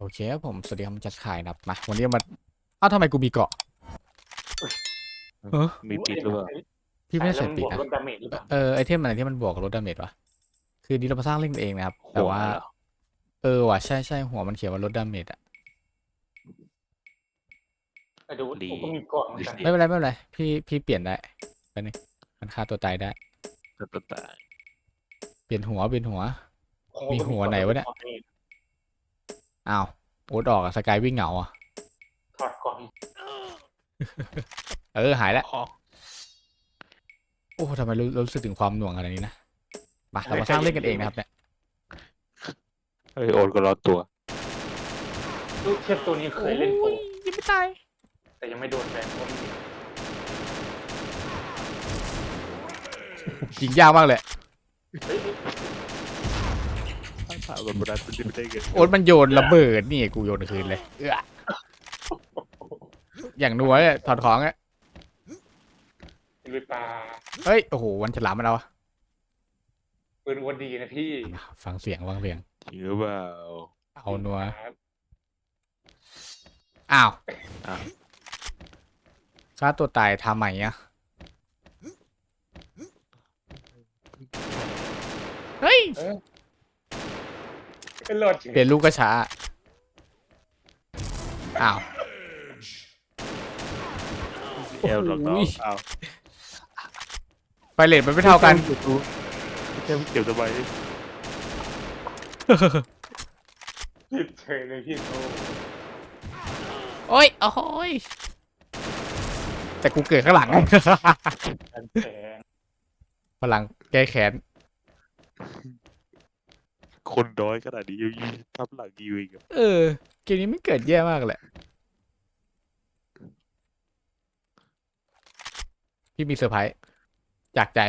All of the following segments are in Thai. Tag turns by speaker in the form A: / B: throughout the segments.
A: โอเคครับผมสวัสดีครับผมจัดขายนะครับมาวันนี้มาทำไมกูมีเกาะเออ
B: มีปิดหรือเปล่า
A: พี่ไม่ได้
C: ใส่แล้วมันบวก
A: ใส่ปีกนะ
C: ลดดาเมจหรือเปล่า
A: ไอเทมอะไรที่มันบวกกับลดดาเมจวะคือนี้เรามาสร้างเล่นเองนะครับแต่
B: หัว
A: ว่า
B: เหรอ
A: ว่ะใช่หัวมันเขียนว่าลดดาเมจอะ
C: แต่ดู
B: ดี
C: ผมก็มีเกาะเหมือนกัน
B: ดี
A: ไม่เป็นไรพี่เปลี่ยนได้ไปบนึงมันฆ่าตัวตายได้
B: ตัวตาย
A: เปลี่ยนหัว
C: โอ้โ
A: มีหัวไหนวะเนี่ย อ้าวโอ๊ตออกอะสกายวิ่งเหงาอะ
C: ถอดก่อน
A: หายแล้ว
B: อ๋อ
A: โอ้ทำไมรู้สึกถึงความหน่วงขนาดนี้นะมาเรามาสร้างเล่นกันเองนะครับเนี่ย
B: เฮ้ยโอนก็รอดตัว
C: ลูกเทียบตัวนี้เคยเล่นโปร
A: ยังไม่ตาย
C: แต่ยังไม่โดนแบนเพราะมี
A: ยิงยากมากเลย
C: เฮ้ย
B: ถามแบบนั้นเป็นไม่ได้เงิน
A: โอ๊ตมันโยนระเบิดนี่กูโยนคืนเลยอย่างนัวเลยถอดของอะ
C: ลุยปลา
A: เฮ้ย โอ้โห วันฉลามมันเอา
C: ปืนวันดีนะพี่
A: ฟังเสียง
B: จริงหรือเปล่า
A: เอานัว
C: ครับ
A: อ้าว
B: อ่ะ
A: ฆ่าตัวตายทำไมอะเฮ้ย
C: ก็รอดจริง
A: เปลี่ยนลูกก็ช้า อ้าว
B: เอลหลอกน้องเอา
A: ไฟเลทมันไม่เท่ากัน
B: เก็บสบาย
C: ผิดเฉยเลยพี่โต
A: โอ้ยโอ้ยแต่กูเกิดข้างหลัง
C: กันแสง
A: พลังแก้แค้น
B: คนน้อยขนาดนี้ยังทับหลังยิวอีกอะ
A: เกมนี้ไม่เกิดแย่มากแหละ พี่มีเซอร์ไพรส์จากใจ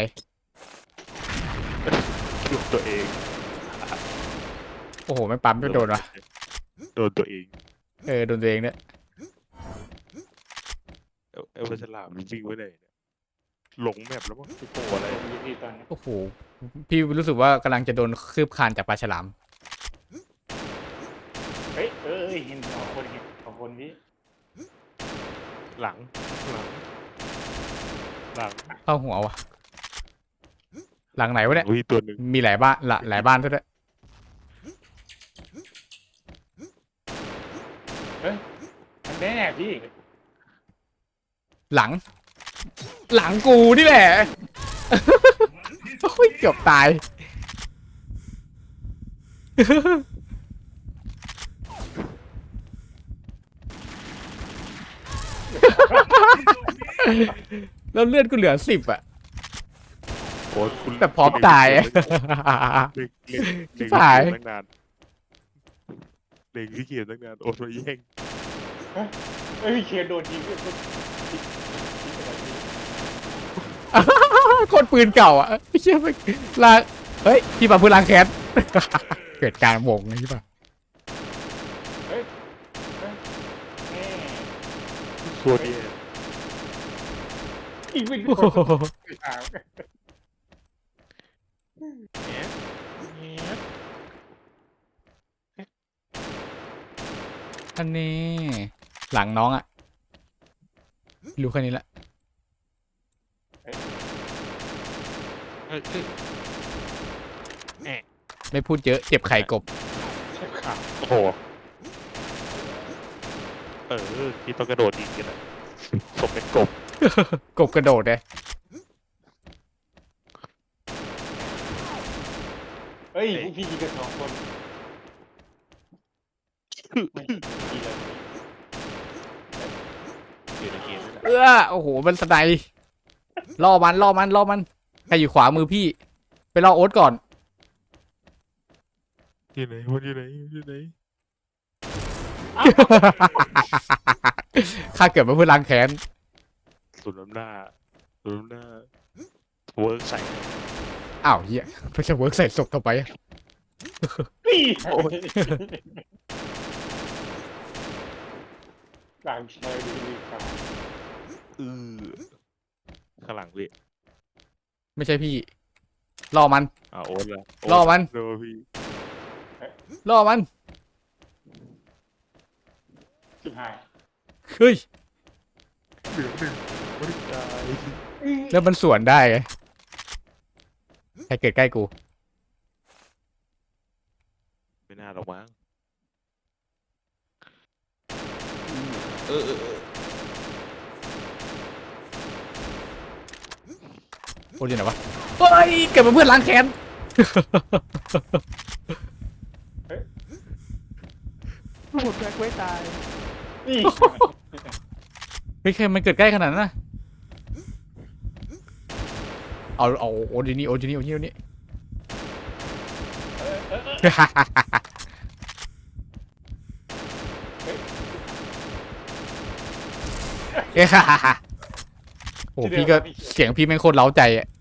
B: คิวตัวเอง
A: โอ้โห ไม่ปั๊มไม่โดนวะ
B: โดนตัวเอง
A: โดนตัวเองเนี่ย
B: เอลฉลามวิ่งไว้ไหนเนี่ยหลงแมปแล้วมั้งไอ้โผล่อะไร
C: ผมมีพี่ตอนนี้
A: โอ้โห พี่รู้สึกว่ากำลังจะโดนคืบคลานจากปลาฉลาม
C: เฮ้ยเห็นสองคนพี่
B: หลังหลัง
A: เข้าหัววะหลังไหนวะเนี่ย
B: วิ่งตัวหนึ่ง
A: มีหลายบ้านหลายบ้านด้วย
C: มันแน่พี่
A: หลังกูนี่แหละ โอ้ยเกือบตาย แล้วเลือดกูเหลือ10อ่ะ
B: โอ้คุณ
A: แต่พร้อมตายอะ
B: เล็ง
A: ชิบ
B: ที่
A: หาย
B: เกมตั้งนานเล็งที่เกมตั้งนานโอนมาแย่ง
C: เฮ้ยเคียร์โดนยิงด้วย
A: โคตรปืนเก่าอ่ะไม่เชื่อไปลางเฮ้ยพี่ปาพูดล้างแค้น เกิดการวงไงใช่ปะ
C: แม่
B: ตัวนี้
C: อีกเป็นค
A: โอ้
C: น
A: โห
C: ถาม
A: อันนี้หลังน้องอ่ะรู้แค่นี้แหละไม่พูดเยอะเจ็บไข่กบ
C: ใช่ข่าว
B: โอ้โหที่ต้องกระโดดยิงกันอะสมเป็นกบ
A: กบกระโดดเลย
C: เฮ้ยพวกพี่ยิงกันสองคนไม่ดีเลย
B: อยู่ในเกมนี่แหละ
A: โอ้โหมันสไนด์ล่อมันใครอยู่ขวามือพี่ ไปล่อโอ๊ตก่อน
B: อยู่ไหนมันอยู่ไหน
A: ข้าเกิดมาเพื่อล้างแค้น
B: สุดน้ำหน้าเวิร์กใส่
A: อ้าวเฮียเพื่อจะเวิร์กใส่ศพต่อไปอะ
C: นี่กลางชายดีครับ
B: ข้างหลังพี่
A: ไม่ใช่พี่ล่อมัน
B: โอ๊ตละ
A: ล่อมัน
B: โดนพี่
A: ล่อมัน
C: สุดท้าย
A: เฮ้ย
B: เหลือหนึ่งไม่ได้ตาย
A: แล้วมันสวนได้ไงใครเกิดใกล้กู
B: ไม่น่าหรอกมั้งเออ
A: โอ้ยอยู่ไหนวะเฮ้ยเกิดมาเพื่อนล้างแค้น
B: หมดแบ็คไว้ตาย
C: นี่
A: เฮ้ยใครมันเกิดใกล้ขนาดนั้นนะเอาโอ้ยนี่โอ้ยนี่โอ้ยนี่โอ้ยนี่เอ้ยโอ้พี่ก็เสียงพี่แม่งโคตรเล้าใจอ่ะ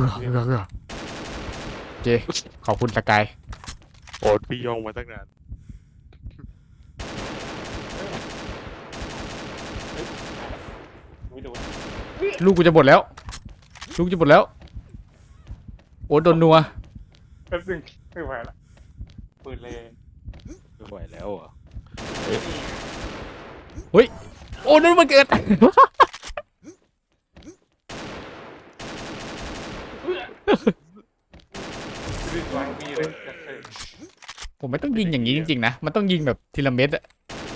A: เจขอบคุณสกาย
B: โอ้พี่ย่องมาตั้งนาน
C: ไม่โดน
A: ลูกกูจะหมดแล้ว ลูกจะหมดแล้ว โอ้โดนนัว
C: แป๊บนึงไม่ไหวละปืนเลย
B: ไม่ไหวแล้วอ่ะ
A: โอ้นั่นมันเกิด
C: ปืนวางมีเลย
A: ผมไม่ต้องยิงอย่างนี้จริงๆนะ มันต้องยิงแบบทีละเม็ดอะ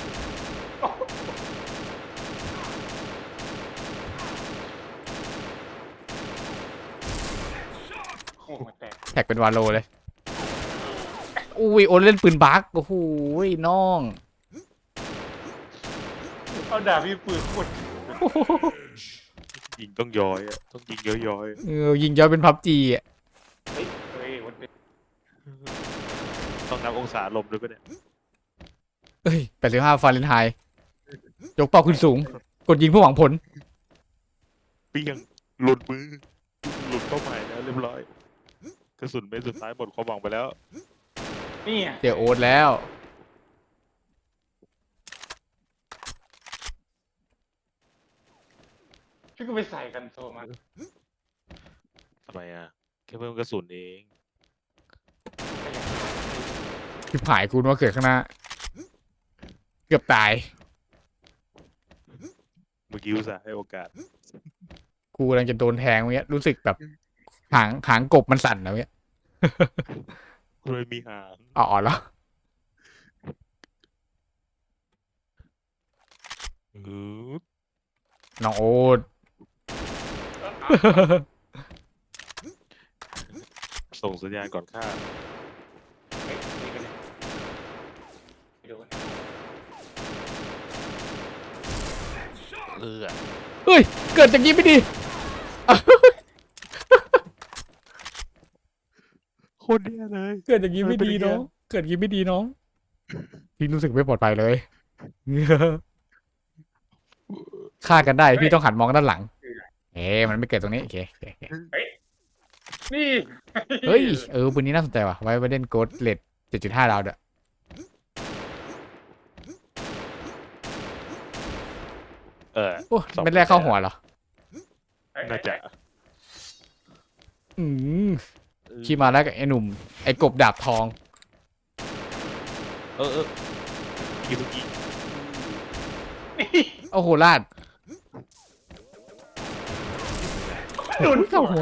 C: โอ้มันแตก
A: แท็กเป็นวาโลเลย อุ้ยโอนเล่นปืนบักโอ้โหน้อง
C: เอาดาบพี่ปืนโคตร
B: ยิงต้องย้อยอ่ะต้องยิงย้อย
A: ยิงย้อยเป็นพับจีอ่ะ
C: เฮ้ยมันเป็น
B: ๆต้องนับองศาลมด้วยปะเนี่ย
A: เอ้ย85 ฟาเรนไฮต์ยกเป้าขึ้นสูง กดยิงเพื่อหวังผล
B: เปี้ยงหลุดมือหลุดเป้าหมายแล้วเรียบร้อยกระสุนเม็ดสุดท้ายหมดความหวังไปแล้ว
C: นี่
A: เจอโอ๊ตแล้ว
C: พี่ก็ไปใส่กันโซมา
B: ทำไมอ่ะแค่เพิ่มกระสุนเอง
A: ทิบหายกูนึกว่าเกิดข้างหน้า เกือบตาย
B: เมื่อกี้อุตส่าห์ให้โอกาส
A: กูกำลังจะโดนแทงเมื่อกี้รู้สึกแบบหางกบมันสั่นนะเมื่อกี้
B: เลยมีหาง
A: อ๋อแล้ว
B: อือ
A: น้องโอ๊ต
B: ส่งสัญญาณก่อนฆ่า
C: เฮ้ยนี่กันเลยไปดูกัน
A: เฮ้ย เกิดจากนี้ไม่ดี
B: โคตรแย่เลย
A: เกิดอย่างนี้ไม่ดีน้อง เกิดอย่างนี้ไม่ดีน้อง พี่รู้สึกไม่ปลอดภัยเลย ฆ่ากันได้พี่ต้องหันมองด้านหลัง มันไม่เกิดตรงนี้โอเคโอเคโอเค
C: นี่
A: เฮ้ยปืนนี้น่าสนใจว่ะ ไว้เล่นโกดเลด7.5 ดาวเด้อ โอ้ไม่แรกเข้าหัวเหรอ
B: น่าจะ
A: อืมขี่มาแล้วกับไอ้หนุ่ม ไอ้กบดาบทอง
B: ยิงทุกยิง
A: โอ้โหลาด
C: โดน
A: เข้าหัว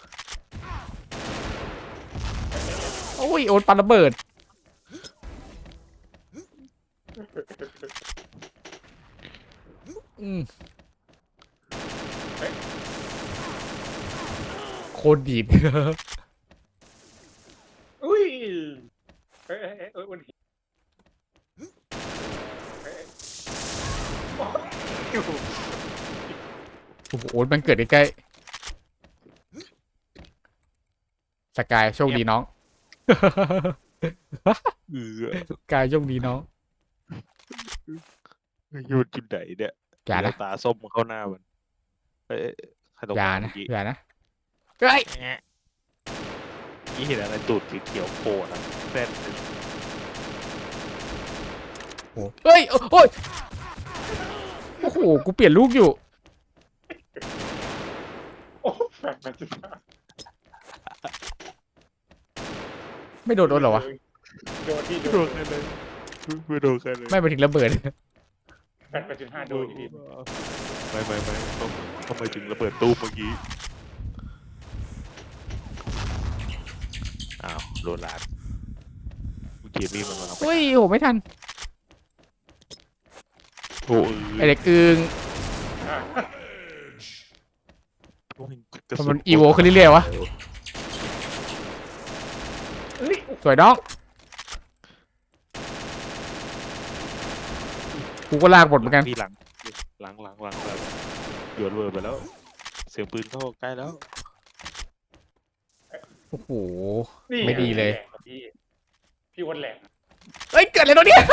A: โอ้ยโอนปาระเบิด อืมโคตรดีด
C: อุ้ยเฮ้ยวันนี้โอ้โห
A: โอ้โหโอ๊ตมันเกิดใกล้ๆสกายโชคดีน้อง สกายโชคดีน้อง
B: หยุดจุดไหนเนี่ย
A: อย่านะ
B: ตาส้มเข้าหน้ามันใครตก
A: อย่า
B: มา
A: นะ
B: เมื่อกี้
A: อย่านะเฮ้ย
B: นี่เห็นอะไรตูดเขียวๆโผล่นะแซ่บเลย
A: เฮ้ยโอ้ยโอ้โหกูเปลี่ยนลูกอยู่
C: โอ้แฟนมันจะ
A: ไม่โดนโดนเหรอวะ
C: โดนที่
B: ไม่
C: โด
B: โด
C: น
B: นใครเลยไม่โดนใครเลย
A: ไม่ไปถึงระเบิด
C: 8.5โดนอยู่ดี
B: ไม่ต้องทำไมถึงระเบิดตู้เมื่อกี้อ้าวโดนลาดเมื่อกี้มีมันมาเอาไป
A: อุ้ยโหไม่ทัน
B: โอ้ย
A: ไอเด็กอึง
C: อ่ะ
B: กระ
A: มัน
B: สุ
A: อีโวขึ้นเรื่อยๆวะ
C: เอ้ย
A: สวยน้องกูก็ลากบทเหมือนกัน
B: ที่หลังโยนเวอร์ไปแล้ว เสียงปืนเข้าใกล้แล้ว
A: โอ้โห
C: นี่
A: ไม่ดีเลย
C: แหกพี่พี่วันแหลก
A: เอ้ยเกิดอะไรตรงเนี้ย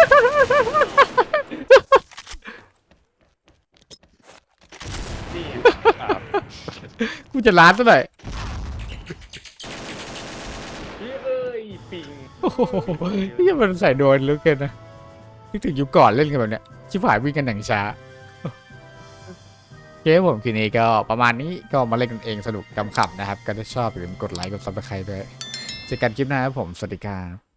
C: นี่
A: กูจะล้านซะหน่อย
C: พี่เอ้ยปิง
A: โอ้โหนี่มันใส่โดนเหลือเกินนะนึกถึงยุคก่อนเล่นกันแบบเนี้ยชิบหายวิ่งกันอย่างช้าโอเคครับผมคืนนี้ก็ประมาณนี้ก็มาเล่นกันเองสนุกกำขับนะครับก็ถ้าชอบอย่าลืมกดไลค์กดซับสไครต์ด้วยเจอกันคลิปหน้าครับผมสวัสดีครับ